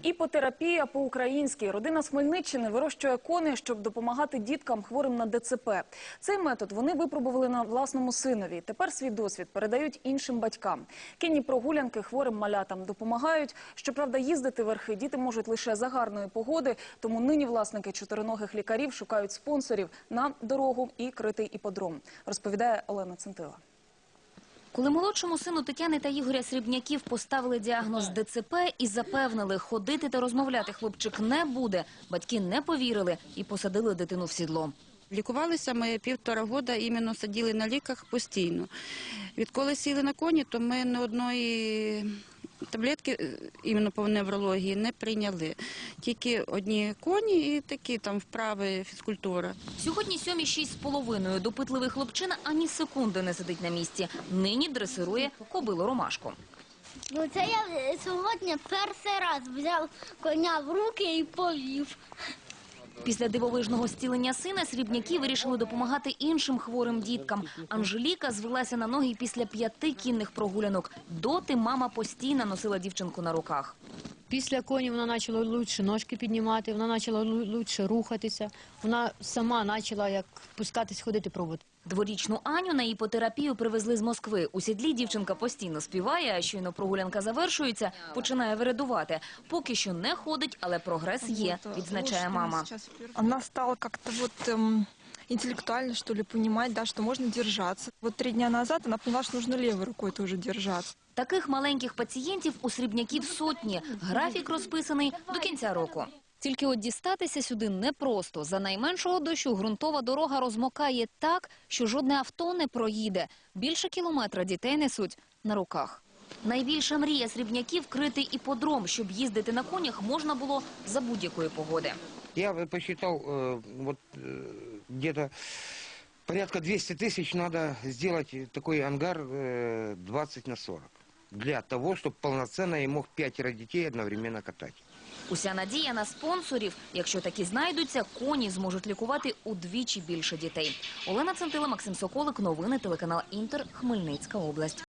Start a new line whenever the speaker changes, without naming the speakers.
Іпотерапія по-українськи. Родина з Хмельниччини вирощує коней, щоб допомагати діткам хворим на ДЦП. Цей метод вони випробували на власному синові. Тепер свій досвід передають іншим батькам. Кінні прогулянки хворим малятам допомагають. Щоправда, їздити верхи діти можуть лише за гарної погоди, тому нині власники чотириногих лікарів шукають спонсорів на дорогу і критий іподром, розповідає Олена Центила.
Коли молодшому сину Тетяни та Ігоря Срібняків поставили діагноз ДЦП і запевнили, ходити та розмовляти хлопчик не буде, батьки не повірили і посадили дитину в сідло.
Лікувалися ми 1,5 року, іменно сиділи на ліках постійно. Відколи сіли на коні, то ми ні одної таблетки іменно по неврології не прийняли. Тільки одні коні і такі там вправи, фізкультура.
Сьогодні 7:06. Допитливий хлопчина ані секунди не сидить на місці. Нині дресирує кобилу Ромашку.
Це я сьогодні перший раз взяв коня в руки і повів.
Після дивовижного зцілення сина Срібняки вирішили допомагати іншим хворим діткам. Анжеліка звелася на ноги після 5 кінних прогулянок. Доти мама постійно носила дівчинку на руках.
Після коні вона почала краще ножки піднімати, вона почала краще рухатися, вона сама почала як пускатись, ходити, пробувати.
Дворічну Аню на іпотерапію привезли з Москви. У сідлі дівчинка постійно співає, а щойно прогулянка завершується, починає виридувати. Поки що не ходить, але прогрес є, відзначає мама.
Вона стала як-то интеллектуально, что ли, понимать, да, что можно держаться. 3 дня назад она поняла, что нужно левой рукой тоже держаться.
Таких маленьких пацієнтів у Срібняків сотні. Графік розписаний до кінця року. Тільки от дістатися сюди непросто. За найменшого дощу ґрунтова дорога розмокає так, що жодне авто не проїде. Більше кілометра дітей несуть на руках. Найбільша мрія Срібняків – критий іподром, щоб їздити на конях можна було за будь-якої погоди.
Я посчитал, где-то порядка 200 тысяч надо сделать такой ангар 20×40. Для того, чтобы полноценно я мог 5 детей одновременно катать.
Уся надія на спонсорів. Якщо такі знайдуться, коні зможуть лікувати удвічі більше дітей. Олена Центила, Максим Соколик. Новини телеканал Інтер. Хмельницька область.